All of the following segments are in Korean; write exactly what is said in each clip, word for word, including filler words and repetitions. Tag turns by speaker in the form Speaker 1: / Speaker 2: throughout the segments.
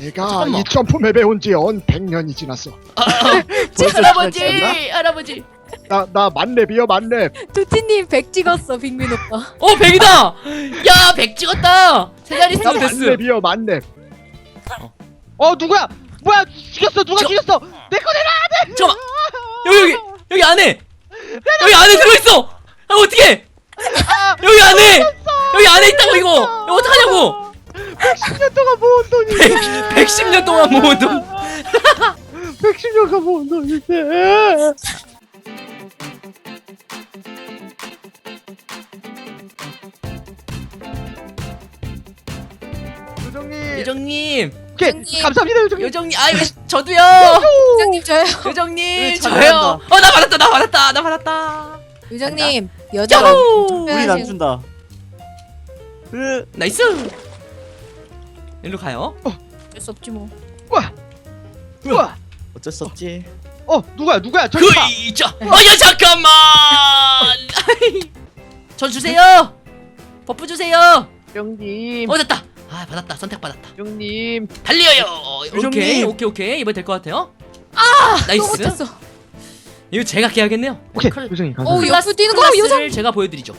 Speaker 1: 내가
Speaker 2: 잠깐만.
Speaker 1: 이 점프맵에 온 지 언 백 년이 지났어.
Speaker 2: 할아버지 할아버지.
Speaker 1: 나 나 만렙이요 만렙.
Speaker 3: 도티님 백 찍었어 빅민 오빠.
Speaker 2: 어 백이다. 야 백 찍었다. 세 자리
Speaker 1: 나
Speaker 2: 쓰면 됐어.
Speaker 1: 만렙이요 만렙.
Speaker 2: 어.
Speaker 1: 어 누구야? 뭐야 죽였어 누가
Speaker 2: 저-
Speaker 1: 죽였어? 내 거 내놔.
Speaker 2: 잠깐. 여기 여기 여기 안에 여기 안에 들어있어. 아 어떻게? 여기 안에 여기 안에 있다고 이거. 이거 어떡하냐고.
Speaker 1: 백십 년 동안 모은 돈이.
Speaker 2: 백십 년 동안 모은 돈.
Speaker 1: 백십 년간 모은 돈인데. 요정님.
Speaker 2: 요정님
Speaker 1: 오케이
Speaker 3: 요정님.
Speaker 1: 감사합니다 요정님.
Speaker 2: 요정님 아이 저도요.
Speaker 3: 요정님 저요.
Speaker 2: 요정님
Speaker 4: 네,
Speaker 2: 저요.
Speaker 4: 잘한다.
Speaker 2: 어 나 받았다 나 받았다 나 받았다.
Speaker 3: 요정님 여자가
Speaker 2: 야호.
Speaker 4: 우린 안 준다. 으,
Speaker 2: 나이스. 일로 가요.
Speaker 3: 어쩔 수 없지 뭐.
Speaker 1: 우와. 우와.
Speaker 4: 어쩔 수 없지.
Speaker 1: 어 누구야 누구야 저기 봐.
Speaker 2: 그이자. 아야 잠깐만. 저 주세요. 버프 주세요.
Speaker 1: 형님.
Speaker 2: 어 됐다. 아 받았다. 선택 받았다.
Speaker 1: 형님.
Speaker 2: 달려요. 오케이
Speaker 4: 요정님.
Speaker 2: 오케이 오케이 이번 될 것 같아요. 아
Speaker 3: 또
Speaker 2: 나이스.
Speaker 3: 못했어.
Speaker 2: 이거 제가 깨야겠네요.
Speaker 1: 오케이
Speaker 2: 클-
Speaker 1: 요정님
Speaker 3: 어
Speaker 1: 감사합니다.
Speaker 3: 옆으로 뛰는 거
Speaker 2: 클라스를
Speaker 3: 요정.
Speaker 2: 제가 보여드리죠.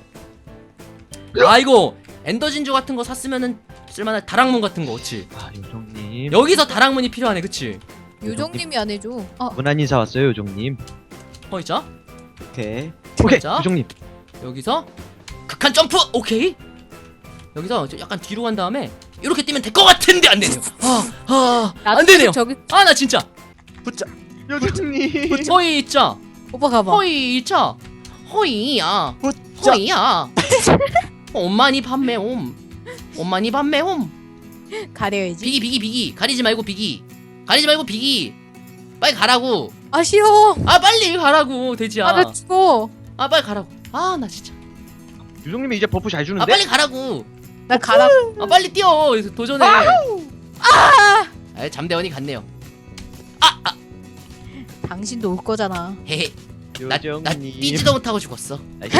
Speaker 2: 아 이거 엔더 진주 같은 거 샀으면은 쓸만한 다락문 같은 거, 그치?
Speaker 1: 아 요정님.
Speaker 2: 여기서 다락문이 필요하네, 그치?
Speaker 3: 요정님이 안 해줘. 아
Speaker 1: 무난 인사 왔어요 요정님.
Speaker 2: 어 있자.
Speaker 4: 오케이.
Speaker 1: 오케이
Speaker 2: 자.
Speaker 1: 요정님.
Speaker 2: 여기서 극한 점프, 오케이. 여기서 이제 약간 뒤로 간 다음에 이렇게 뛰면 될 것 같은데 안 되네요. 아, 아, 안 되네요.
Speaker 3: 저기
Speaker 2: 아 나 진짜.
Speaker 4: 붙자.
Speaker 1: 요정님.
Speaker 2: 허이 있자.
Speaker 3: 오빠 가봐.
Speaker 2: 허이 있자. 허이야.
Speaker 4: 붙자.
Speaker 2: 허이야. 엄마니 판매 옴. 엄마니 판매 옴.
Speaker 3: 가려야지.
Speaker 2: 비기 비기 비기 가리지 말고 비기 가리지 말고 비기 빨리 가라고.
Speaker 3: 아 싫어.
Speaker 2: 아 빨리 가라고 돼지야.
Speaker 3: 아나 죽어.
Speaker 2: 아 빨리 가라고. 아 나 진짜.
Speaker 1: 요정님이 이제 버프 잘
Speaker 2: 아
Speaker 1: 주는데.
Speaker 2: 빨리 가라고.
Speaker 3: 나 가라.
Speaker 2: 아 빨리 뛰어. 도전해.
Speaker 3: 아
Speaker 2: 아 잠대원이 갔네요. 아, 아
Speaker 3: 당신도 올 거잖아.
Speaker 2: 헤헤. 나,
Speaker 1: 요정님.
Speaker 2: 나 뛰지도 못하고 죽었어.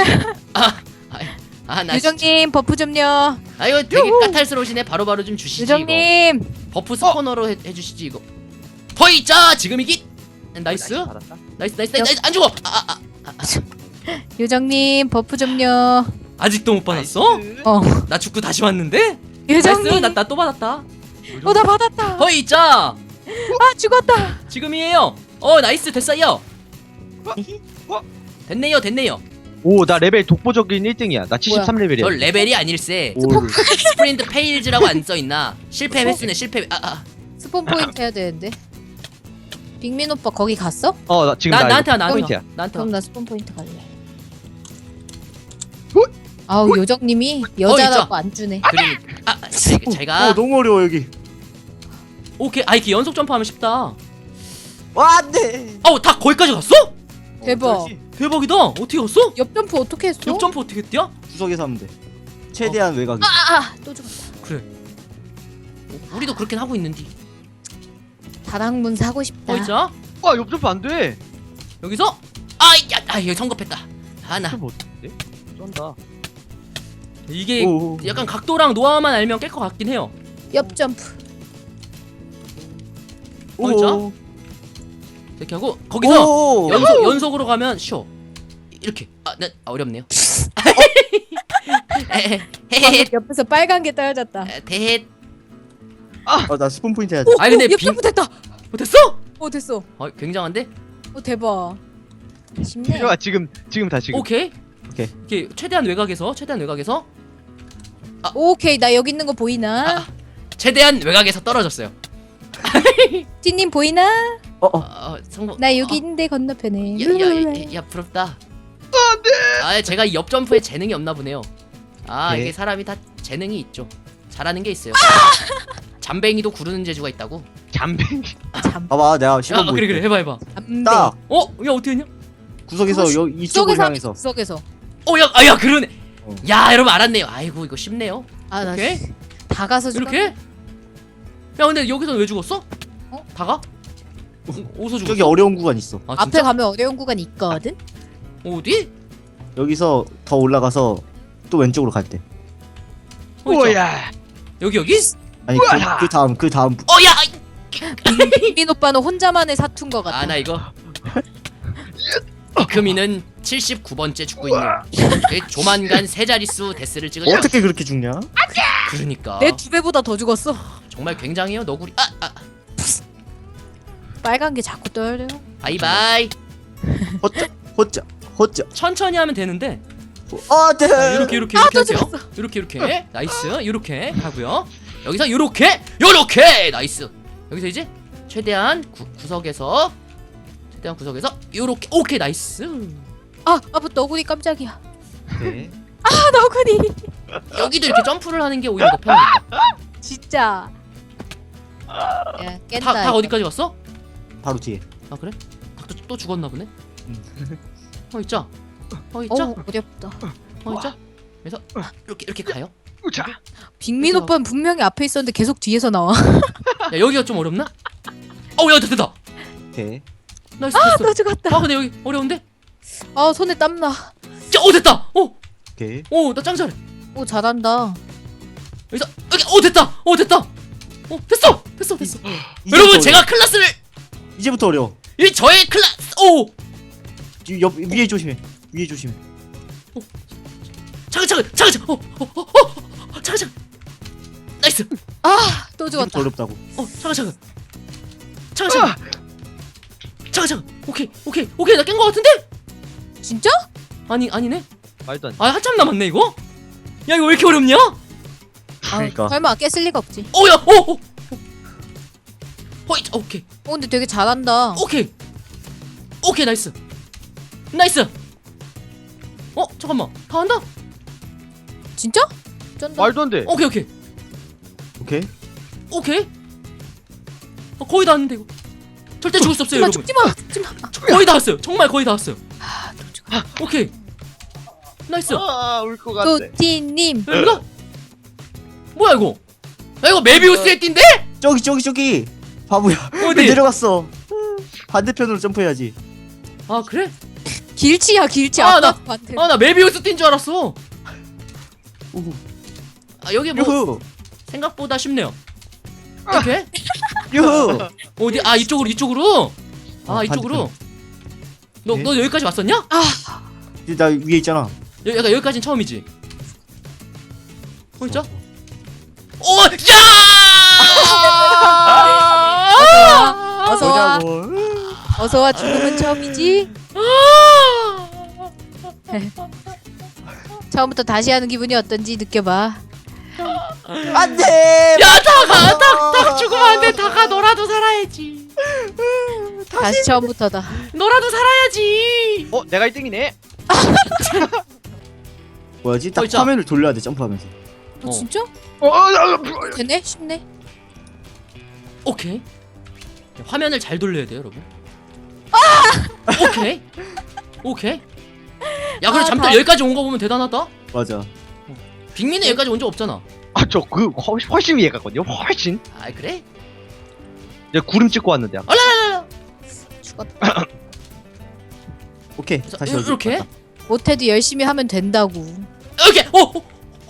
Speaker 2: 아 나
Speaker 3: 요정님 버프 좀요.
Speaker 2: 아 이거 되게 까탈스러우시네. 바로바로 좀 주시지. 이거.
Speaker 3: 요정님.
Speaker 2: 버프 스포너로 해, 해주시지 이거. 허이 자 지금 이기. 나이스.
Speaker 1: 받았다.
Speaker 2: 나이스 나이스 나이스 나이스 안 죽어. 아, 아, 아, 아.
Speaker 3: 요정님 버프 좀요.
Speaker 2: 아직도 못 받았어?
Speaker 3: 어.
Speaker 2: 나 죽고 다시 왔는데? 나이스.
Speaker 3: 요정님.
Speaker 2: 나나 또 받았다.
Speaker 3: 어 나 받았다.
Speaker 2: 허이 자
Speaker 3: 아 죽었다.
Speaker 2: 지금이에요. 어 나이스 됐어요. 됐네요 됐네요.
Speaker 1: 오 나 레벨 독보적인 일 등이야. 나 칠십삼 레벨이야.
Speaker 2: 저 레벨이 아닐세.
Speaker 1: 올.
Speaker 2: 스프린트 페일즈라고 안 써있나. 실패 횟수네 실패. 아아
Speaker 3: 스폰 포인트 해야 되는데. 빅민 오빠 거기 갔어?
Speaker 1: 어 나 지금
Speaker 2: 나
Speaker 1: 나
Speaker 2: 나한테 와
Speaker 1: 이거
Speaker 2: 나한테
Speaker 1: 포인트야.
Speaker 2: 와. 나한테 와.
Speaker 3: 그럼 나 스폰 포인트 갈래.
Speaker 1: 어?
Speaker 3: 아우 요정님이 여자라고 안 주네.
Speaker 2: 그러니까 아 아, 제- 제가
Speaker 4: 어 너무 어려워 여기.
Speaker 2: 오케이 아 이렇게 연속 점프하면 쉽다.
Speaker 4: 와 안돼.
Speaker 2: 아우 다 거기까지 갔어?
Speaker 3: 대박.
Speaker 2: 대박이다. 어떻게 갔어?
Speaker 3: 옆 점프 어떻게 했어?
Speaker 2: 옆 점프 어떻게 뛰어?
Speaker 4: 구석에서 하면 돼. 최대한 외곽이.
Speaker 3: 아아또 죽었다.
Speaker 2: 그래. 어, 우리도 그렇게 하고 있는디.
Speaker 3: 다락문 사고 싶다.
Speaker 2: 허이 자
Speaker 1: 와 옆점프 안 돼.
Speaker 2: 여기서 아야 아 이거 성급했다. 아나
Speaker 1: 좀 어떡해? 쩐다.
Speaker 2: 이게
Speaker 4: 오.
Speaker 2: 약간 각도랑 노하우만 알면 깰 것 같긴 해요.
Speaker 3: 옆 점프.
Speaker 2: 오. 이렇게 하고 거기서
Speaker 4: 오.
Speaker 2: 연속 연속으로 가면 쉬워. 이렇게 아네 아, 어렵네요. 헤헤헤
Speaker 3: 옆에서 빨간 게 떨어졌다.
Speaker 2: 대헷.
Speaker 4: 어나 스폰 포인트 해야 돼.
Speaker 3: 오,
Speaker 2: 아니, 근데
Speaker 3: 오, 옆
Speaker 2: 빙-
Speaker 3: 점프 됐다.
Speaker 2: 못했어?
Speaker 3: 오 됐어.
Speaker 2: 어 굉장한데?
Speaker 3: 오 대박. 쉽네.
Speaker 1: 야 지금 지금 다 지금.
Speaker 2: 오케이.
Speaker 4: 오케이.
Speaker 2: 이렇게 최대한 외곽에서 최대한 외곽에서
Speaker 3: 오케이 나 여기 있는 거 보이나?
Speaker 2: 아, 최대한 외곽에서 떨어졌어요.
Speaker 3: 티님 보이나?
Speaker 4: 어
Speaker 2: 어,
Speaker 4: 어.
Speaker 2: 어 성공.
Speaker 3: 나 여기
Speaker 2: 어,
Speaker 3: 있는데 건너편에.
Speaker 2: 야야야 야, 부럽다. 안돼. 아 제가 이 옆 점프에 재능이 없나 보네요. 아
Speaker 4: 네.
Speaker 2: 이게 사람이 다 재능이 있죠. 잘하는 게 있어요. 잠뱅이도 구르는 재주가 있다고.
Speaker 1: 잠뱅이.
Speaker 3: 잠.
Speaker 4: 봐봐 내가
Speaker 2: 아
Speaker 4: 시범
Speaker 2: 그래 그래 해봐 해봐.
Speaker 3: 잠배.
Speaker 4: 딱
Speaker 2: 어? 야 어떻게 했냐?
Speaker 4: 구석에서
Speaker 3: 그거
Speaker 4: 여 이쪽을
Speaker 3: 구석에서
Speaker 4: 향해서.
Speaker 3: 구석에서.
Speaker 2: 어 야 아 야 그러네.
Speaker 4: 어.
Speaker 2: 야 여러분 알았네요. 아이고 이거 쉽네요.
Speaker 3: 아나
Speaker 2: 오케이.
Speaker 3: 다 가서 죽었-
Speaker 2: 이렇게? 야 근데 여기서 왜 죽었어?
Speaker 3: 어?
Speaker 2: 다가? 어디서 죽었어?
Speaker 4: 저기 어려운 구간 있어.
Speaker 2: 아,
Speaker 3: 앞에
Speaker 2: 진짜?
Speaker 3: 가면 어려운 구간이 있거든.
Speaker 2: 어디?
Speaker 4: 여기서 더 올라가서 또 왼쪽으로 갈 때.
Speaker 2: 어, 있죠?
Speaker 1: 오야.
Speaker 2: 여기 여기?
Speaker 4: 아니
Speaker 1: 우와!
Speaker 4: 그, 그 다음 그 다음
Speaker 2: 어야.
Speaker 3: 빅민 오빠는 혼자만의 사투인 것 같아.
Speaker 2: 아 나 이거. 이크미는 칠십구 번째 죽고 있는. 조만간 세 자릿수 데스를 찍을.
Speaker 4: 어떻게 그렇게 죽냐?
Speaker 2: 그러니까.
Speaker 3: 내 두 배보다 더 죽었어.
Speaker 2: 정말 굉장해요 너구리. 아 아.
Speaker 3: 빨간 게 자꾸 떠요.
Speaker 2: 바이바이.
Speaker 4: 허짜 허짜 허짜.
Speaker 2: 천천히 하면 되는데.
Speaker 4: 아 네.
Speaker 2: 자, 이렇게 이렇게
Speaker 3: 아,
Speaker 2: 이렇게
Speaker 3: 또
Speaker 2: 할게요.
Speaker 3: 죽었어.
Speaker 2: 이렇게 이렇게 나이스. 이렇게 하고요. 여기서 이렇게 이렇게 나이스. 여기서 이제 최대한 구, 구석에서 최대한 구석에서 이렇게 오케이 나이스.
Speaker 3: 아, 아빠 너구리 깜짝이야.
Speaker 1: 네.
Speaker 3: 아, 너구리.
Speaker 2: 여기도 이렇게 점프를 하는 게 오히려 더 편하겠다.
Speaker 3: 진짜. 야, 깬다.
Speaker 2: 닭, 닭
Speaker 3: 이거.
Speaker 2: 어디까지 갔어?
Speaker 4: 바로 뒤에.
Speaker 2: 아 그래? 닭도 또 죽었나 보네.
Speaker 4: 음.
Speaker 2: 어 있자. 어 있자.
Speaker 3: 어우, 어렵다.
Speaker 2: 어 있자. 그래서 이렇게 이렇게 가요.
Speaker 1: 우자.
Speaker 3: 빅민 오빠는 분명히 앞에 있었는데 계속 뒤에서 나와.
Speaker 2: 야 여기가 좀 어렵나? 어야 됐다.
Speaker 4: 오케이.
Speaker 2: 나이스
Speaker 3: 아,
Speaker 2: 됐어.
Speaker 3: 또 죽었다.
Speaker 2: 아 근데 여기 어려운데?
Speaker 3: 아, 손에 땀나.
Speaker 2: 야, 어 됐다. 어,
Speaker 4: 오케이.
Speaker 2: 어 나 짱 잘해.
Speaker 3: 오, 잘한다.
Speaker 2: 여기서 여기 어 됐다. 어 됐다. 어 됐어. 됐어 됐어.
Speaker 4: 이제부터
Speaker 2: 여러분
Speaker 4: 어려워.
Speaker 2: 제가 클라스를
Speaker 4: 이제부터 어려워.
Speaker 2: 이 저의 클라스 오
Speaker 4: 뒤- 옆 위에 조심해. 위에 조심해.
Speaker 2: 잠깐 잠깐 잠깐 잠깐 어어어 잠깐 잠깐 나이스.
Speaker 3: 아, 또
Speaker 4: 이제부터
Speaker 3: 죽었다.
Speaker 4: 어렵다고.
Speaker 2: 어 잠깐 잠깐 잠깐 잠깐 잠깐 잠깐 오케이 오케이 오케이 나 깬 거 같은데?
Speaker 3: 진짜?
Speaker 2: 아니 아니네.
Speaker 1: 말도 안 돼.
Speaker 2: 아 한참 남았네 이거. 야 이거 왜 이렇게 어렵냐?
Speaker 4: 그러니까.
Speaker 3: 아, 설마 깼을 리가 없지.
Speaker 2: 어야 어어 어이 오케이
Speaker 3: 어, 근데 되게 잘한다.
Speaker 2: 오케이 오케이 나이스 나이스. 어 잠깐만 다 한다.
Speaker 3: 진짜? 쩐다.
Speaker 1: 말도 안 돼.
Speaker 2: 오케이 오케이
Speaker 4: 오케이.
Speaker 2: 오케이. 어, 거의 다 왔는데 이거. 절대 죽을 수 없어요
Speaker 3: 죽지
Speaker 2: 여러분.
Speaker 3: 마, 죽지 마, 죽지 마.
Speaker 2: 거의 다 왔어요. 정말 거의 다 왔어요.
Speaker 3: 아, 또 죽었다.
Speaker 2: 오케이. 나이스.
Speaker 1: 아, 울 것 같아.
Speaker 3: 도티님.
Speaker 2: 이거 뭐야 이거? 야 이거 메비우스의 띠인데?
Speaker 4: 저기 저기 저기. 바보야. 왜
Speaker 2: 어디?
Speaker 4: 내려갔어? 반대편으로 점프해야지.
Speaker 2: 아 그래?
Speaker 3: 길치야, 길치.
Speaker 2: 아,
Speaker 3: 아까
Speaker 2: 나-
Speaker 3: 반대.
Speaker 2: 아 나 메비우스 띠인 줄 알았어.
Speaker 4: 우후.
Speaker 2: 아 여기 뭐
Speaker 4: 유후.
Speaker 2: 생각보다 쉽네요. 이렇게?
Speaker 4: 유후.
Speaker 2: 어디? 아 이쪽으로 이쪽으로. 아
Speaker 4: 어,
Speaker 2: 이쪽으로. 너
Speaker 4: 네.
Speaker 2: 너 여기까지 왔었냐?
Speaker 3: 아,
Speaker 4: 이제 나 위에 있잖아.
Speaker 2: 여, 약간 여기까지는 처음이지. 어 있죠? 오 야!
Speaker 3: 어서 와.
Speaker 4: 뭐냐고.
Speaker 3: 어서 와. 죽음은 처음이지. 처음부터 다시 하는 기분이 어떤지 느껴봐.
Speaker 4: 안돼.
Speaker 2: 야 다가 닭닭 죽으면 안돼. 다가 너라도 살아야지.
Speaker 3: 다시 처음부터다.
Speaker 2: 너라도 살아야지.
Speaker 1: 어, 내가 일 등이네.
Speaker 4: 뭐야지? 딱
Speaker 2: 어, 있잖아.
Speaker 4: 화면을 돌려야 돼 점프하면서.
Speaker 3: 어,
Speaker 2: 어.
Speaker 3: 진짜?
Speaker 1: 어, 어, 어,
Speaker 3: 되네? 쉽네.
Speaker 2: 오케이. 화면을 잘 돌려야 돼요, 여러분. 오케이. 오케이. 야, 그래
Speaker 3: 아,
Speaker 2: 잠들
Speaker 3: 다-
Speaker 2: 여기까지 온 거 보면 대단하다.
Speaker 4: 맞아.
Speaker 2: 빅민은 여기까지 온 적 없잖아.
Speaker 1: 아, 저 그 훨씬, 훨씬 위에 갔거든요. 훨씬.
Speaker 2: 아, 그래?
Speaker 1: 내가 구름 찍고 왔는데. 아까.
Speaker 3: 죽었다.
Speaker 4: 오케이.
Speaker 2: 그래서
Speaker 4: 다시
Speaker 2: 요-
Speaker 4: 여기
Speaker 2: 이렇게.
Speaker 4: 갔다.
Speaker 3: 못해도 열심히 하면 된다고.
Speaker 2: 이렇게. 어. 어.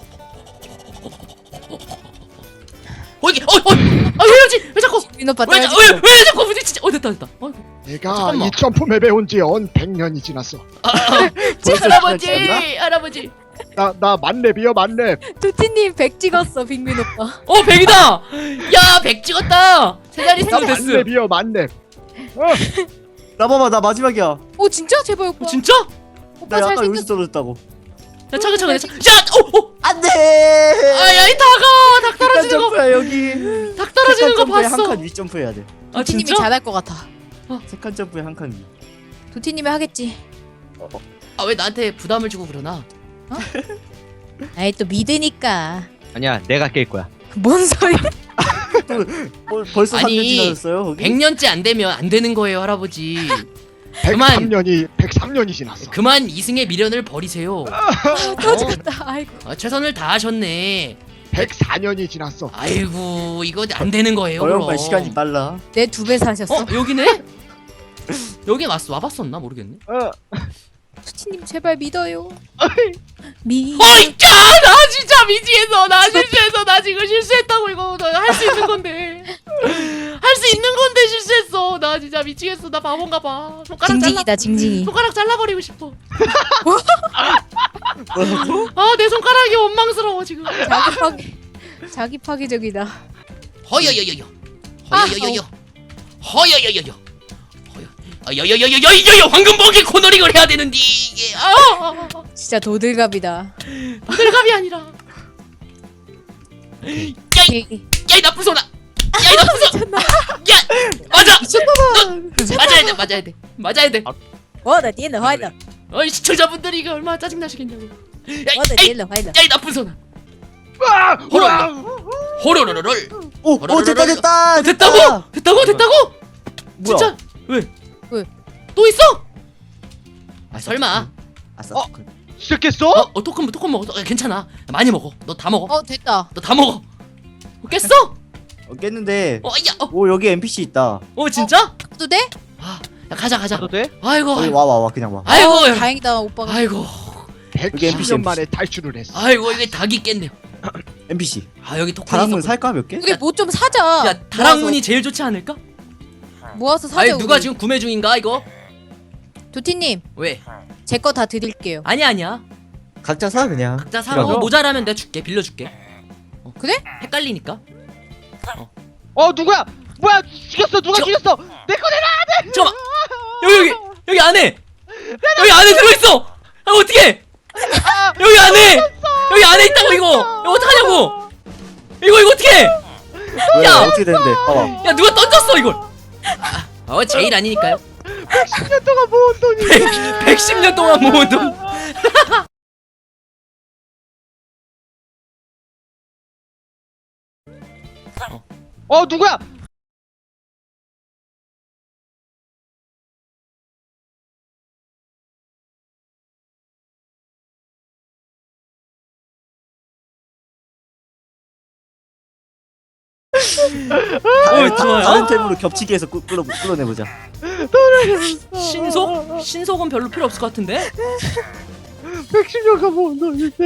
Speaker 2: 어 이게. 어, 어. 아, 왜 이러지? 왜 자꾸?
Speaker 3: 민 오빠
Speaker 2: 왜, 자-
Speaker 3: 떨어지.
Speaker 2: 왜, 왜 자꾸 부딪히지? 어, 됐다, 됐다. 어,
Speaker 5: 내가
Speaker 2: 잠깐만.
Speaker 5: 이 점프맵에 온 지 언 백 년이 지났어.
Speaker 4: 벌써
Speaker 2: 할아버지,
Speaker 4: 시작했나?
Speaker 2: 할아버지.
Speaker 5: 나, 나 만렙이요, 만렙.
Speaker 3: 도티님 백 찍었어, 빅민 오빠.
Speaker 2: 어, 백이다. 야, 백 찍었다. 세 자리
Speaker 5: 나
Speaker 2: 쓰면 됐어.
Speaker 5: 만렙이요, 만렙. 어,
Speaker 4: 나 봐봐 나 마지막이야.
Speaker 3: 오, 진짜? 제발 오빠.
Speaker 2: 어, 진짜?
Speaker 3: 오빠
Speaker 4: 나 약간
Speaker 3: 잘생겼어.
Speaker 4: 여기서 떨어졌다고.
Speaker 2: 야, 차근차근 해. 차- 야, 어, 어.
Speaker 4: 안돼.
Speaker 2: 아야, 이 다가 닭
Speaker 4: 잠깐
Speaker 2: 떨어지는 거.
Speaker 4: 점프야 여기.
Speaker 2: 닭 떨어지는 거 봤어.
Speaker 4: 한칸 위 점프해야 돼.
Speaker 2: 아,
Speaker 3: 도티님이
Speaker 2: 진짜?
Speaker 3: 잘할 것 같아.
Speaker 4: 세칸 점프에 한 칸 위.
Speaker 3: 도티님이 하겠지.
Speaker 2: 아, 왜 나한테 부담을 주고 그러나?
Speaker 3: 아이, 또 믿으니까.
Speaker 1: 아니야, 내가 깰 거야.
Speaker 3: 뭔 소리?
Speaker 4: 어, 벌써 삼 년
Speaker 2: 아니,
Speaker 4: 지났어요 거기?
Speaker 2: 백 년째 안 되면 안 되는 거예요, 할아버지. 그만.
Speaker 5: 백삼 년이, 백삼 년이 지났어.
Speaker 2: 그만 이승의 미련을 버리세요.
Speaker 3: 또 죽었다. 아이고.
Speaker 2: 아, 최선을 다하셨네.
Speaker 5: 백사 년이 지났어.
Speaker 2: 아이고, 이거 안 되는 거예요,
Speaker 4: 어려운
Speaker 2: 그럼.
Speaker 4: 말 시간이 빨라.
Speaker 3: 내 두 배 사셨어.
Speaker 2: 어, 여기네? 여기 왔어. 와봤었나 모르겠네.
Speaker 1: 어.
Speaker 3: 투티님 제발 믿어요.
Speaker 1: 어이.
Speaker 3: 미.
Speaker 2: 어이, 야, 나 진짜 미치겠어. 나 실수했어. 나 지금 실수했다고 이거 할 수 있는 건데. 할 수 있는 건데 실수했어. 나 진짜 미치겠어. 나 바본가 봐. 손가락 잘라.
Speaker 3: 징징이다 징징이.
Speaker 2: 손가락 잘라버리고 싶어. 아, 내 손가락이 원망스러워 지금.
Speaker 3: 자기 파괴. 자기 파괴적이다.
Speaker 2: 허여여여여.
Speaker 3: 아,
Speaker 2: 허여여여여. 허여여여여. 허여여여여여여. 황금복이 코너링을 해야 되는데 이게. 아,
Speaker 3: 진짜 도들갑이다.
Speaker 2: 호들갑이 아니라. 야이, 야이 나쁜 소나. 야이 나쁜 소. 야, 맞아. 너 맞아야 돼, 맞아야 돼, 맞아야 돼.
Speaker 3: 어나 뒤에 화이다.
Speaker 2: 어이 시청자분들이 이거 얼마나 짜증 나시겠냐고.
Speaker 3: 어나
Speaker 2: 야이,
Speaker 3: 뒤에 화이다.
Speaker 2: 야이 나쁜 소나.
Speaker 1: 와!
Speaker 2: 호로로. 호로로로롤.
Speaker 4: 오, 오 됐다 됐다.
Speaker 2: 어, 됐다고? 됐다고? 됐다고?
Speaker 4: 뭐야?
Speaker 2: 진짜? 왜?
Speaker 3: 왜?
Speaker 2: 또 있어? 아 설마.
Speaker 4: 아싸.
Speaker 1: 어?
Speaker 4: 토큰.
Speaker 1: 시작했어?
Speaker 2: 어, 어 토큰 토큰 먹어. 어, 괜찮아. 많이 먹어. 너 다 먹어.
Speaker 3: 어 됐다.
Speaker 2: 너 다 먹어. 어, 깼어?
Speaker 4: 어, 깼는데.
Speaker 2: 어, 야, 어,
Speaker 4: 오 여기 엔피씨 있다.
Speaker 2: 어 진짜?
Speaker 3: 또 돼?
Speaker 2: 아, 야, 가자 가자.
Speaker 1: 가도 돼?
Speaker 2: 아이고,
Speaker 4: 여기
Speaker 2: 아이고,
Speaker 4: 와와 와 그냥 와.
Speaker 2: 아이고,
Speaker 3: 어,
Speaker 2: 야.
Speaker 3: 다행이다 오빠가.
Speaker 2: 아이고,
Speaker 4: 여기 엔피씨,
Speaker 5: 백십 년 만에 탈출을 했어.
Speaker 2: 아이고 이게 닭이 깼네요.
Speaker 4: 엔피씨.
Speaker 2: 아 여기 토큰
Speaker 4: 다락문
Speaker 2: 있었구나.
Speaker 4: 살까 몇 개?
Speaker 3: 우리 뭐 좀 사자.
Speaker 2: 야 다락문이 제일 좋지 않을까?
Speaker 3: 모아서, 모아서 사자.
Speaker 2: 아니 누가
Speaker 3: 우리.
Speaker 2: 지금 구매 중인가 이거?
Speaker 3: 도티님
Speaker 2: 왜?
Speaker 3: 제 거 다 드릴게요.
Speaker 2: 아니야 아니야.
Speaker 4: 각자 사 그냥.
Speaker 2: 각자 사.
Speaker 4: 그럼.
Speaker 2: 어, 모자라면 내가 줄게. 빌려줄게. 어.
Speaker 3: 그래?
Speaker 2: 헷갈리니까.
Speaker 1: 어 누구야? 뭐야? 죽였어 누가
Speaker 2: 저-
Speaker 1: 죽였어? 내 거 내놔!
Speaker 2: 잠깐만. 여기 여기 여기 안에 여기 안에 들어있어. 아 어떻게? 여기 안에 여기 안에 있다고 이거. 이거 어떡하냐고. 이거 이거 어떻게?
Speaker 4: 왜,
Speaker 2: 야!
Speaker 4: 어떻게 되는데? 봐봐.
Speaker 2: 야 누가 던졌어 이걸? 아, 어 제일 아니니까요.
Speaker 1: 십 년 동안 모은 돈이
Speaker 2: 백십 년 동안 모은 돈.
Speaker 1: 어 누구야?
Speaker 2: 어 좋아요.
Speaker 4: 다른 템으로 겹치기 해서 끌- 끌어 끌어내보자.
Speaker 2: 신속? 신속은 별로 필요 없을 것 같은데?
Speaker 1: 백십 년간 모은 돈인데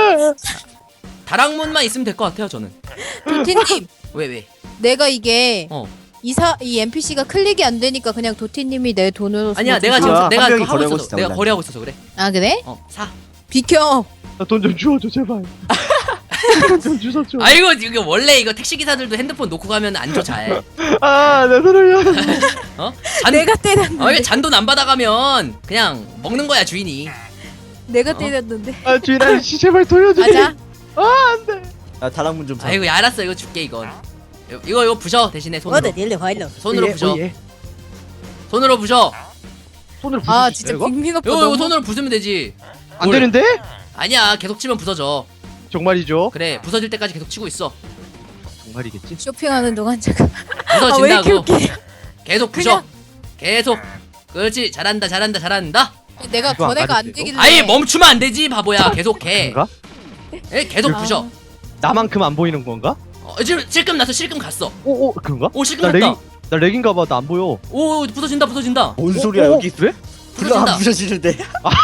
Speaker 2: 다락문만 있으면 될 것 같아요 저는.
Speaker 3: 도티님
Speaker 2: 왜 왜?
Speaker 3: 내가 이게
Speaker 2: 어.
Speaker 3: 이사 이 엔피씨가 클릭이 안 되니까 그냥 도티님이 내 돈으로.
Speaker 2: 아니야
Speaker 3: 좀
Speaker 2: 내가
Speaker 3: 사.
Speaker 2: 지금
Speaker 4: 한
Speaker 2: 내가
Speaker 4: 명이
Speaker 2: 그거 하고
Speaker 4: 거래하고
Speaker 2: 있어서
Speaker 4: 있어,
Speaker 2: 내가
Speaker 4: 원래.
Speaker 2: 거래하고 있어서 그래.
Speaker 3: 아 그래?
Speaker 2: 어 사.
Speaker 3: 비켜.
Speaker 1: 돈 좀 주워줘 제발. 돈 좀 주워줘.
Speaker 2: 아이고 이거 원래 이거 택시 기사들도 핸드폰 놓고 가면 안 줘 잘.
Speaker 1: 아내 돈을요.
Speaker 2: 어? 잔,
Speaker 3: 내가 때렸는데.
Speaker 2: 어, 이거 잔돈 안 받아가면 그냥 먹는 거야 주인이.
Speaker 3: 내가
Speaker 2: 어?
Speaker 3: 때렸는데.
Speaker 1: 아 주인 아저씨 제발 돌려줘.
Speaker 3: 맞아.
Speaker 1: 아 안돼.
Speaker 4: 야 다락문 좀 사.
Speaker 2: 아이고 야, 알았어 이거 줄게 이건. 이거 이거, 이거 부셔 대신에 손으로.
Speaker 3: 어나 닐래 화일러.
Speaker 2: 손으로
Speaker 1: 예,
Speaker 2: 부셔.
Speaker 1: 어, 예.
Speaker 2: 손으로 부셔.
Speaker 1: 손으로 부술
Speaker 3: 아
Speaker 1: 수
Speaker 3: 진짜
Speaker 1: 있어요, 이거?
Speaker 3: 빅민 오빠
Speaker 2: 이거 이거
Speaker 3: 너무.
Speaker 2: 손으로 부수면 되지.
Speaker 1: 안
Speaker 2: 뭘.
Speaker 1: 되는데?
Speaker 2: 아니야 계속 치면 부서져.
Speaker 1: 정말이죠?
Speaker 2: 그래 부서질 때까지 계속 치고 있어.
Speaker 1: 정말이겠지?
Speaker 3: 쇼핑하는 동안 잠깐. 아
Speaker 2: 부서진다고.
Speaker 3: 왜 이렇게 웃기?
Speaker 2: 계속 부셔.
Speaker 3: 그냥-
Speaker 2: 계속. 그렇지 잘한다 잘한다 잘한다.
Speaker 3: 내가
Speaker 1: 이거 안
Speaker 3: 전에가 안
Speaker 1: 가도 돼요?
Speaker 3: 되길래.
Speaker 2: 아예 멈추면 안 되지 바보야. 계속 해.
Speaker 1: 그런가?
Speaker 2: 예, 계속
Speaker 3: 아.
Speaker 2: 부셔.
Speaker 1: 나만큼 안 보이는 건가?
Speaker 2: 어, 지금 실금 났어 실금 갔어.
Speaker 1: 오오 그런가?
Speaker 2: 오 실금
Speaker 1: 나
Speaker 2: 났다.
Speaker 1: 렉인 나 렉인가 봐. 나 안 보여.
Speaker 2: 오 부서진다 부서진다.
Speaker 4: 뭔
Speaker 1: 오,
Speaker 4: 소리야
Speaker 1: 오,
Speaker 4: 여기
Speaker 1: 왜?
Speaker 4: 불러 안
Speaker 2: 부서진다.
Speaker 4: 부셔지는데.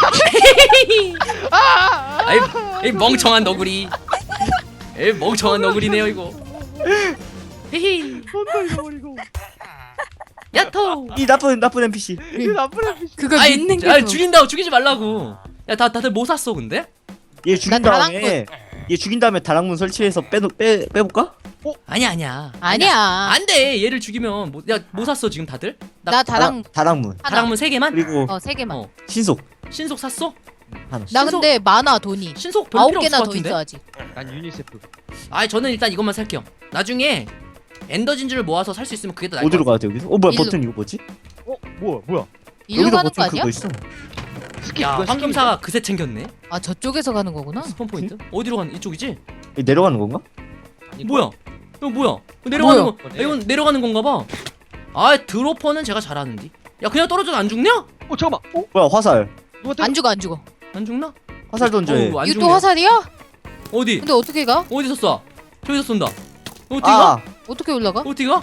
Speaker 2: 아이, 이 멍청한 너구리. 에 멍청한 너구리네요 이거. 히히.
Speaker 1: 손도 잃어버리고.
Speaker 2: 야토.
Speaker 4: 이 나쁜 나쁜 엔피씨.
Speaker 1: 이 나쁜 애비.
Speaker 3: 그걸
Speaker 2: 아이,
Speaker 3: 믿는 게.
Speaker 2: 아,
Speaker 3: 더-
Speaker 2: 죽인다고 죽이지 말라고. 야 다 다들 뭐 샀어 근데?
Speaker 4: 얘 죽인
Speaker 3: 난
Speaker 4: 다음에 얘 죽인 다음에 다락문 설치해서 빼놓 빼 빼볼까?
Speaker 2: 아니야 아니야.
Speaker 3: 아니야.
Speaker 2: 안돼 얘를 죽이면 뭐, 야뭐 샀어 지금 다들?
Speaker 3: 나 다랑
Speaker 4: 다락, 다락문
Speaker 3: 하나.
Speaker 2: 다락문 세 개만?
Speaker 4: 그리고
Speaker 3: 어세 개만.
Speaker 2: 어.
Speaker 4: 신속
Speaker 2: 신속 샀어?
Speaker 4: 하나.
Speaker 3: 나
Speaker 2: 신속-
Speaker 3: 근데 많아 돈이.
Speaker 2: 신속 별로
Speaker 3: 아홉
Speaker 2: 필요 없을
Speaker 3: 개나
Speaker 2: 것
Speaker 3: 더
Speaker 2: 같은데?
Speaker 3: 있어 아직.
Speaker 1: 난 유니세프.
Speaker 2: 아 저는 일단 이것만 살게요. 나중에 엔더 진주를 모아서 살 수 있으면 그게 더 나을 것
Speaker 4: 어디로
Speaker 2: 같아.
Speaker 4: 가야 돼 여기서? 어 뭐야
Speaker 3: 일로.
Speaker 4: 버튼 이거 뭐지?
Speaker 1: 어 뭐야 뭐야?
Speaker 3: 일로
Speaker 4: 여기도
Speaker 3: 가는 거
Speaker 4: 버튼
Speaker 3: 아니야?
Speaker 4: 그거 있어.
Speaker 1: 스킵.
Speaker 2: 야
Speaker 1: 이건
Speaker 2: 황금사가 그새 챙겼네.
Speaker 3: 아 저쪽에서 가는 거구나.
Speaker 2: 스폰 포인트? 어디로 가는 이쪽이지?
Speaker 4: 여기 내려가는 건가?
Speaker 1: 스킵이야.
Speaker 2: 뭐야? 이거 뭐야? 이거 내려가는
Speaker 3: 뭐야?
Speaker 2: 거? 야, 이건 내려가는 건가 봐. 아 드로퍼는 제가 잘하는데. 야 그냥 떨어져도 안 죽냐?
Speaker 1: 어 잠깐만. 어
Speaker 4: 뭐야 화살.
Speaker 1: 누가 때려?
Speaker 3: 안 죽어 안 죽어.
Speaker 2: 안 죽나?
Speaker 4: 화살 던져해.
Speaker 2: 어우, 안
Speaker 3: 이거
Speaker 2: 죽네.
Speaker 3: 또 화살이야?
Speaker 2: 어디?
Speaker 3: 근데 어떻게 가?
Speaker 2: 어디서 쏴? 저기서 쏜다. 어떻게 가?
Speaker 4: 아
Speaker 3: 어떻게 올라가?
Speaker 2: 어떻게 가?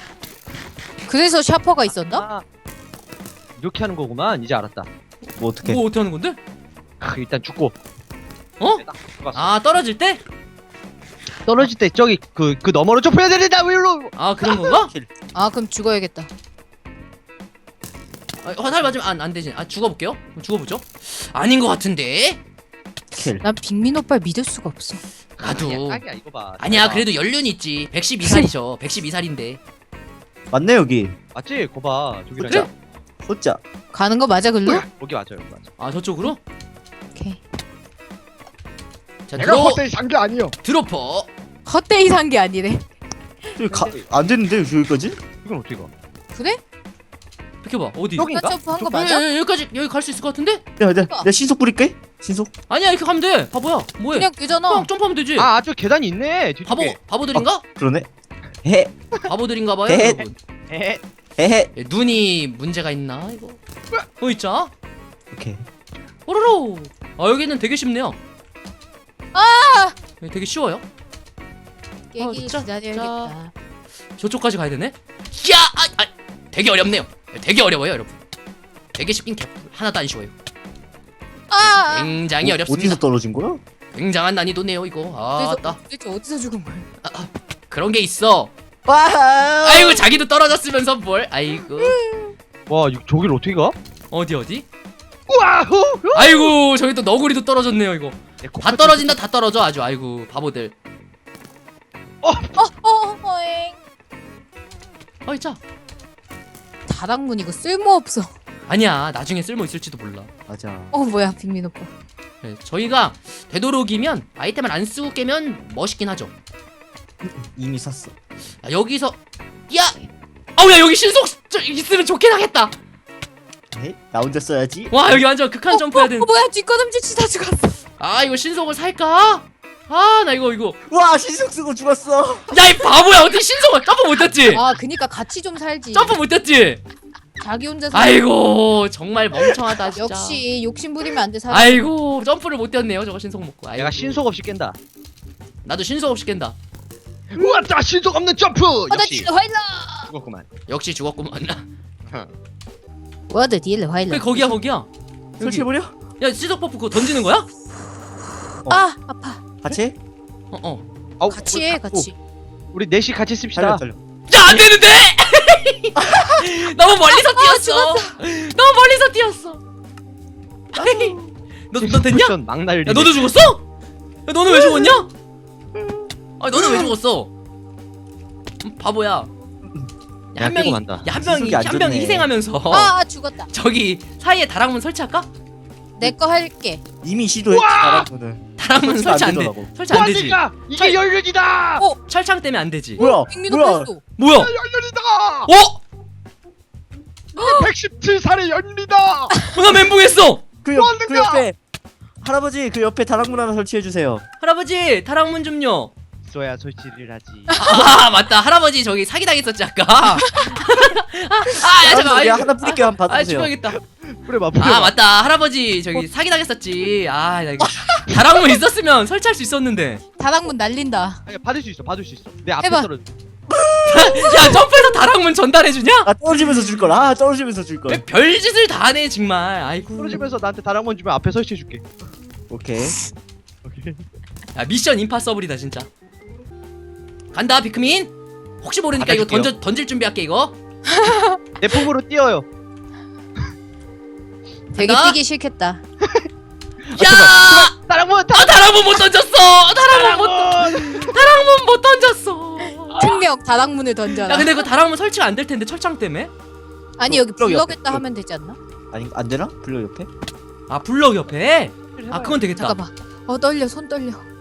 Speaker 3: 그래서 샤퍼가 있었나?
Speaker 1: 아, 이렇게 하는 거구만. 이제 알았다.
Speaker 4: 뭐 어떻게?
Speaker 2: 뭐 어떻게 하는 건데?
Speaker 1: 아, 일단 죽고.
Speaker 2: 어?
Speaker 1: 딱 죽었어.
Speaker 2: 아 떨어질 때?
Speaker 1: 떨어질 때 저기 그 그 너머로 좁혀야 된다. 위로.
Speaker 2: 아 그런 건가?
Speaker 3: 아 그럼 죽어야겠다.
Speaker 2: 아, 화살 맞으면 안, 안 되지. 아 죽어볼게요. 그럼 죽어보죠. 아닌 것 같은데?
Speaker 4: 킬.
Speaker 3: 난 빅민 오빠를 믿을 수가 없어.
Speaker 2: 나도.
Speaker 1: 아니야, 딱이야 이거 봐.
Speaker 2: 아니야
Speaker 1: 봐.
Speaker 2: 그래도 연륜 있지. 백십이 살이죠. 백십이 살인데.
Speaker 4: 맞네 여기.
Speaker 1: 맞지? 거 봐. 저기랑.
Speaker 2: 그래?
Speaker 4: 호짜.
Speaker 3: 가는 거 맞아 글로?
Speaker 1: 여기 맞아요. 여기 맞아.
Speaker 2: 아 저쪽으로?
Speaker 3: 오케이.
Speaker 2: 자
Speaker 5: 내가
Speaker 2: 드로
Speaker 5: 헛되이 산게 아니요.
Speaker 2: 드로퍼.
Speaker 3: 헛되이 산 게 아니래.
Speaker 4: 저기 가, 안 되는데 여기까지?
Speaker 1: 이건 어떻게 가?
Speaker 3: 그래?
Speaker 2: 비켜봐 어디?
Speaker 1: 여기-
Speaker 3: 간 점프 한 거
Speaker 2: 여-
Speaker 3: 맞아?
Speaker 2: 여- 여기까지 여기 갈 수 있을 것 같은데?
Speaker 4: 야, 내가, 내가 신속 뿌릴게. 신속.
Speaker 2: 아니야 이렇게 가면 돼. 바보야. 뭐해?
Speaker 3: 그냥 되잖아.
Speaker 2: 그냥 점프하면 되지.
Speaker 1: 아, 저 계단이 있네.
Speaker 2: 바보
Speaker 1: 뒤쪽에.
Speaker 2: 바보들인가?
Speaker 4: 그러네. 헤,
Speaker 2: 바보들인가봐요
Speaker 4: 에.
Speaker 2: 여러분.
Speaker 1: 에.
Speaker 4: 헤헤.
Speaker 2: 예, 눈이 문제가 있나 이거? 어 있자.
Speaker 4: 오케이.
Speaker 2: 오로로. 아 여기는 되게 쉽네요.
Speaker 3: 아!
Speaker 2: 여기 되게 쉬워요.
Speaker 3: 깨기
Speaker 2: 자,
Speaker 3: 기다려야겠다.
Speaker 2: 저쪽까지 가야 되네. 야, 아, 아, 되게 어렵네요. 되게 어려워요, 여러분. 되게 쉽긴 개 하나도 안 쉬워요.
Speaker 3: 아!
Speaker 2: 굉장히
Speaker 4: 어,
Speaker 2: 어렵습니다.
Speaker 4: 어디서 떨어진 거야?
Speaker 2: 굉장한 난이도네요, 이거. 아,
Speaker 3: 어디서,
Speaker 2: 맞다.
Speaker 3: 도대체 어디서 죽은 거야?
Speaker 2: 그런 게 있어.
Speaker 4: 와.
Speaker 2: 아이고, 자기도 떨어졌으면서 뭘? 아이고.
Speaker 1: 와, 이 저길 어떻게 가?
Speaker 2: 어디 어디?
Speaker 1: 와우.
Speaker 2: 아이고, 저기 또 너구리도 떨어졌네요, 이거.
Speaker 1: 내
Speaker 2: 다
Speaker 1: 코끝이-
Speaker 2: 떨어진다, 다 떨어져 아주. 아이고, 바보들.
Speaker 3: 어, 어, 어잉.
Speaker 2: 어이, 자.
Speaker 3: 다락문 이거 쓸모없어.
Speaker 2: 아니야, 나중에 쓸모 있을지도 몰라.
Speaker 4: 맞아.
Speaker 3: 어 뭐야 빅민 오빠.
Speaker 2: 네, 저희가 되도록이면 아이템을 안 쓰고 깨면 멋있긴 하죠.
Speaker 4: 이미 샀어.
Speaker 2: 아, 여기서 야! 아우 야 여기 신속 저, 있으면 좋긴 하겠다.
Speaker 4: 헤? 나 혼자 써야지.
Speaker 2: 와 여기 완전 극한 점프해야 되는.
Speaker 3: 어 뭐야 뒷걸음질 치다 죽었어.
Speaker 2: 아 이거 신속을 살까? 아 나 이거 이거.
Speaker 4: 와, 신속 쓰고 죽었어.
Speaker 2: 야 이 바보야 어떻게 신속을 점프 못했지?
Speaker 3: 아 그니까 같이 좀 살지.
Speaker 2: 점프 못했지?
Speaker 3: 자기 혼자 살.
Speaker 2: 아이고 정말 멍청하다 진짜.
Speaker 3: 역시 욕심 부리면 안 돼 사람.
Speaker 2: 아이고 점프를 못 뛰었네요 저거 신속 먹고. 아이고.
Speaker 1: 내가 신속 없이 깬다.
Speaker 2: 나도 신속 없이 깬다.
Speaker 5: 우와, 자 신속 없는 점프.
Speaker 3: 我的
Speaker 5: 역시
Speaker 3: 敌人坏了，
Speaker 1: 죽었구만.
Speaker 2: 역시 죽었구만.
Speaker 3: 我的敌人坏
Speaker 2: 그래
Speaker 3: 了。
Speaker 2: 거기야 거기야.
Speaker 4: 설치해버려?
Speaker 2: 야 신속 버프 그거 던지는 거야?
Speaker 3: 아 아파.
Speaker 4: 같이 해?
Speaker 2: 어 어.
Speaker 1: 아우,
Speaker 3: 같이 해 같이.
Speaker 1: 우리 넷이 같이 씁시다.
Speaker 4: 달려, 달려.
Speaker 2: 야 안되는데! 너무 멀리서 뛰었어. 너무 멀리서 뛰었어. 너, 너 됐냐?
Speaker 1: 쿠션 막 날리네.
Speaker 2: 야 너도 죽었어? 야 너는 왜 죽었냐? 아 너는 왜 죽었어? 음, 바보야. 야,
Speaker 1: 야,
Speaker 2: 한
Speaker 1: 깨고
Speaker 2: 명이
Speaker 1: 만다.
Speaker 2: 야, 한 명이
Speaker 4: 신속이 안
Speaker 2: 한 명이
Speaker 4: 좋네.
Speaker 2: 희생하면서
Speaker 3: 아, 아 죽었다.
Speaker 2: 저기 사이에 다락문 설치할까?
Speaker 3: 내 거 할게.
Speaker 4: 이미 시도했지. 나랑은.
Speaker 2: 다락문
Speaker 4: 설치가 안
Speaker 2: 설치 안 돼.
Speaker 4: 되더라고.
Speaker 2: 설치 안 되지.
Speaker 5: 뭐하니까 이게 연륜이다.
Speaker 3: 어?
Speaker 2: 철창 때문에 안 되지.
Speaker 4: 뭐야?
Speaker 3: 빅민
Speaker 4: 뭐야?
Speaker 3: 오빠 했어.
Speaker 2: 뭐야?
Speaker 5: 연륜이다.
Speaker 2: 어?
Speaker 5: 백십칠 살의 연륜이다.
Speaker 2: 어, 나 멘붕했어.
Speaker 4: 그,
Speaker 5: 뭐
Speaker 4: 옆,
Speaker 5: 하는
Speaker 4: 그
Speaker 5: 거야?
Speaker 4: 옆에 할아버지 그 옆에 다락문 하나 설치해 주세요.
Speaker 2: 할아버지 다락문 좀요.
Speaker 1: 써야 설치를 하지.
Speaker 2: 아 맞다 할아버지 저기 사기 당했었지 아까. 아, 아 야, 잠깐.
Speaker 4: 내가
Speaker 2: 아이,
Speaker 4: 하나 뿌릴게요. 한번
Speaker 2: 아
Speaker 4: 받으세요.
Speaker 2: 죽어야겠다.
Speaker 1: 뿌려봐,
Speaker 2: 아
Speaker 1: 뿌려봐.
Speaker 2: 맞다 할아버지 저기 사기 당했었지. 아 나 이거 다락문 있었으면 설치할 수 있었는데.
Speaker 3: 다락문 날린다.
Speaker 1: 아니, 받을 수 있어, 받을 수 있어. 내 앞에
Speaker 3: 해봐.
Speaker 1: 떨어져.
Speaker 2: 야 점프해서 다락문 전달해주냐?
Speaker 4: 아, 떨어지면서 줄 걸. 아, 떨어지면서 줄 걸.
Speaker 2: 왜 별짓을 다 하네 정말. 아이고.
Speaker 1: 떨어지면서 나한테 다락문 주면 앞에 설치해줄게.
Speaker 4: 오케이.
Speaker 1: 오케이.
Speaker 2: 야 미션 임파서블이다 진짜. 간다 비크민. 혹시 모르니까 이거
Speaker 1: 받아줄게요.
Speaker 2: 던져 던질 준비할게 이거.
Speaker 1: 내 품으로 뛰어요.
Speaker 3: 되게
Speaker 2: 간다.
Speaker 3: 뛰기 싫겠다.
Speaker 2: 야!
Speaker 1: 다락문,
Speaker 2: 아 다락문 못 던졌어. 다락문 못 던- 다락문 못 던졌어.
Speaker 3: 특명 다락문을 던져라.
Speaker 2: 야 근데 그 다락문 설치가 안 될 텐데 철창 때문에?
Speaker 3: 아니 여기
Speaker 4: 블럭 옆에,
Speaker 3: 블럭에다
Speaker 4: 블럭.
Speaker 3: 하면 되지 않나?
Speaker 4: 아니, 안 되나? 블럭 옆에?
Speaker 2: 아 블럭 옆에? 아 그건 되겠다.
Speaker 3: 잠깐만. 어 떨려 손 떨려.